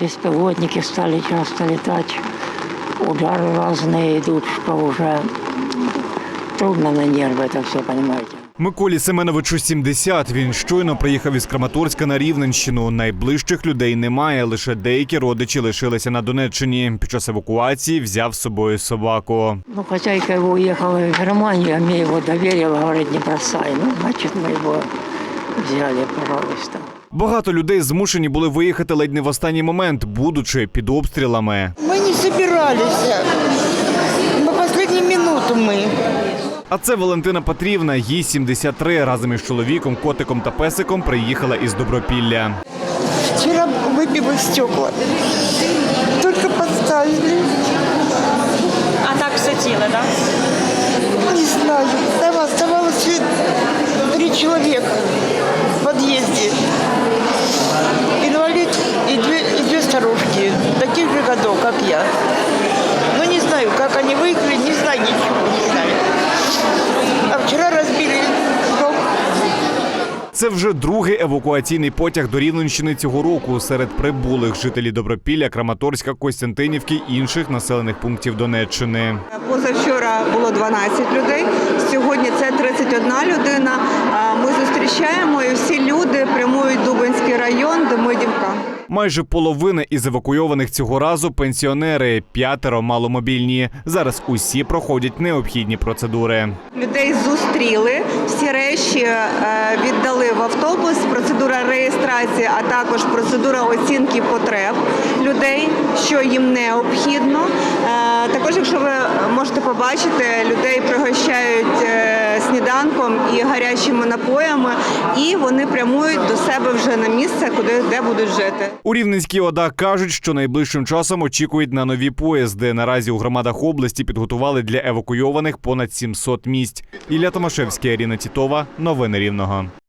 беспилотники стали часто летать, удары разные идут, что уже трудно на нервы это все, понимаете. Миколі Семеновичу 70. Він щойно приїхав із Краматорська на Рівненщину. Найближчих людей немає, лише деякі родичі лишилися на Донеччині. Під час евакуації взяв з собою собаку. Ну, хозяйка его уехала в Германию, а мне его доверила, говорит, не бросай. Ну, значит, мы его взяли, пожалуйста. Багато людей змушені були виїхати ледь не в останній момент, будучи під обстрілами. Мы не собирались. На последнюю минуту мы. А це Валентина Петрівна, їй 73. Разом із чоловіком, котиком та песиком приїхала із Добропілля. Вчера выбило стекла. Только подставили. А так все ціле, так? Не знаю. Там оставалось 3 человека в подъезде. Инвалид и две старушки, таких же годов, как я. Но не знаю, как они выиграли, не знаю ничего, не знаю. А вчера разбили дом. Це вже другий евакуаційний потяг до Рівненщини цього року. Серед прибулих жителі Добропілля, Краматорська, Костянтинівки і інших населених пунктів Донеччини. Позавчора було 12 людей, сьогодні це 31 людина. Ми зустрічаємо і всі люди прямують в Дубенський район, Демидівка. Майже половина із евакуйованих цього разу – пенсіонери, 5 – маломобільні. Зараз усі проходять необхідні процедури. Людей зустріли, всі речі віддали в автобус, процедура реєстрації, а також процедура оцінки потреб людей, що їм необхідно. Також, якщо ви можете побачити, людей пригощають сніданком і гарячими напоями, і вони прямують до себе вже на місце, де будуть жити. У Рівненській ОДА кажуть, що найближчим часом очікують на нові поїзди. Наразі у громадах області підготували для евакуйованих понад 700 місць. Ілля Томашевський, Аріна Тітова. Новини Рівного.